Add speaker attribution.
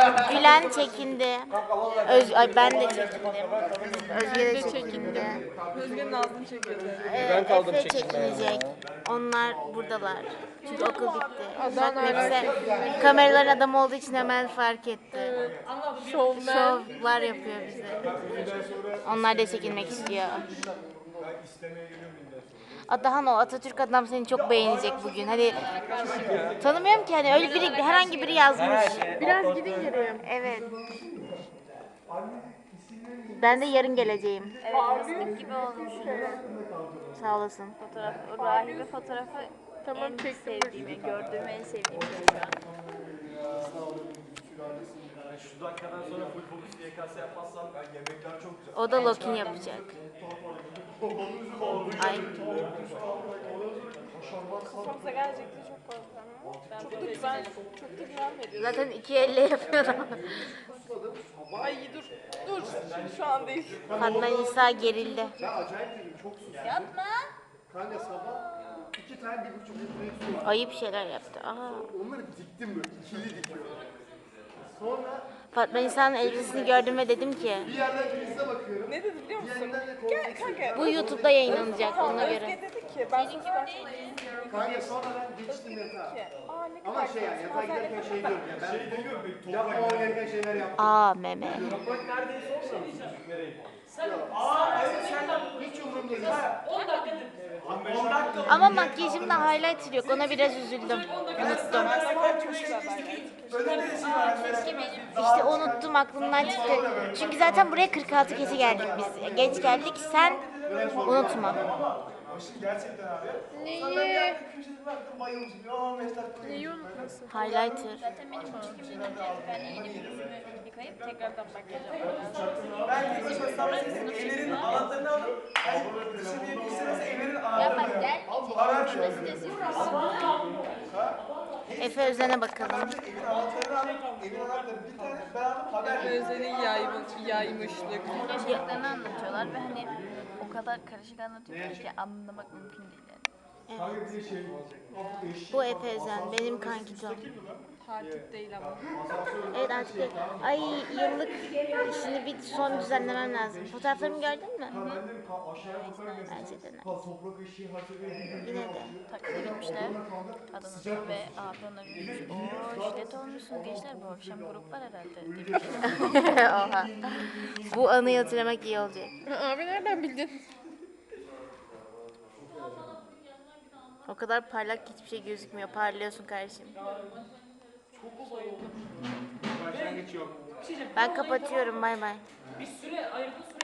Speaker 1: Gülen çekindi. Ay ben de çekindim. Özge de çekindi.
Speaker 2: Özge'nin ağzını çekiyordu.
Speaker 3: Ben kaldım
Speaker 1: Efe
Speaker 3: çekinmeye.
Speaker 1: çekinecek. Onlar buradalar. Çünkü okul bitti.
Speaker 2: Adam
Speaker 1: Bak
Speaker 2: hala
Speaker 1: Nefse kameraların adamı olduğu için hemen fark etti.
Speaker 2: şovmen.
Speaker 1: Şovlar yapıyor bize. Onlar da çekilmek istiyor. Adahan o Atatürk adam seni çok beğenecek bugün. Hani tanımıyorum ki hani öyle biri herhangi biri yazmış.
Speaker 2: Biraz gidin geri.
Speaker 1: Evet. Ben de yarın geleceğim.
Speaker 4: Evet, fıstık gibi olmuşsun.
Speaker 1: Sağ olasın.
Speaker 4: Fotoğraf, o rahibe fotoğrafı
Speaker 2: Tamam,
Speaker 4: en
Speaker 2: çektim.
Speaker 4: sevdiğim, gördüğüm en sevdiğim şey şu an.
Speaker 3: Şu dakikadan sonra full fokus YKS yapmazsam yemekler çok güzel.
Speaker 1: O da Lokin yapacak. Ay.
Speaker 2: Kafamıza gelecekti çok korkuyorum. Çok da güven, çok da güven veriyor.
Speaker 1: Zaten iki elle yapıyorum.
Speaker 2: Ay dur, dur. Şu an değil.
Speaker 1: Fatma Nisa gerildi.
Speaker 4: Yapma.
Speaker 5: Kanka sabah 2 tane 1,5 litre su var.
Speaker 1: Ayıp şeyler yaptı. Aa.
Speaker 5: Onları diktim böyle, ikili dikiyorum. Sonra
Speaker 1: Fatma Nisa'nın elbisesini gördüm ve dedim ki
Speaker 5: bir yerden prize bakıyorum.
Speaker 2: Ne dedi biliyor musun?
Speaker 5: Yeniden de
Speaker 2: Gel
Speaker 5: korkuyorum.
Speaker 2: kanka.
Speaker 1: bu YouTube'da yayınlanacak ona
Speaker 2: Özge
Speaker 1: göre.
Speaker 2: dedi ki ben sana
Speaker 5: Kanka sonra ben geçtim yatağa.
Speaker 2: Aa ne
Speaker 5: Ama şey yani yatağa giderken şey diyorum ya ben yapmam gereken şeyler yaptım.
Speaker 1: Aa meme.
Speaker 3: Bak neredeyse olmamış nereye?
Speaker 5: Hiç umurumda değil.
Speaker 3: 10 dakika. 10 dakika.
Speaker 1: Ama makyajımda highlighter yok. Ona biraz üzüldüm. Unuttum. İşte unuttum aklımdan çıktı. Çünkü zaten buraya 46 kese geldik biz. Geç geldik. Sen unutma.
Speaker 3: Gerçekten abi.
Speaker 2: Neyi?
Speaker 3: Köşede baktım bayılmışım. 15 dakika.
Speaker 2: Neyi unutmasın?
Speaker 1: Highlighter.
Speaker 4: Zaten benim çekimim önce ben yeni bir yüzümü yıkayıp tekrardan makyaj yapmam lazım.
Speaker 3: Ben tek başıma sabredeyim. Evlerin anahtarını alıp dışarıya bir sene evlerin
Speaker 4: Ya
Speaker 3: anahtarını
Speaker 4: bak gel.
Speaker 3: Araç
Speaker 4: Burası da siz.
Speaker 1: Efe Özen'e bakalım.
Speaker 3: evin anahtarını alıp evin anahtarını bir tane ben aldım haber verdim.
Speaker 2: Özle'nin yaymışlık.
Speaker 4: Yaşadıklarını anlatıyorlar ve hani o kadar karışık anlatıyorlar ki anlamak mümkün değil yani.
Speaker 1: Bu Efe Özen. Benim kankitom.
Speaker 2: Takip değil ama.
Speaker 1: Evet artık ay yıllık işini bir son düzenlemem lazım. Fotoğraflarımı gördün mü? Bence de.
Speaker 5: Toprak ışığı hatırlayabilirim.
Speaker 4: Yine de taksiye gitmişler. Kadın ve abi ona gülmüş. Ooo şiddet olmuşsunuz gençler, bu akşam grup var herhalde demiş.
Speaker 1: Oha. Bu anıyı hatırlamak iyi olacak.
Speaker 2: Abi nereden bildin?
Speaker 1: O kadar parlak ki hiçbir şey gözükmüyor. Parlıyorsun kardeşim. Ben kapatıyorum. Bay bay.
Speaker 6: Bir süre ayırdın, süre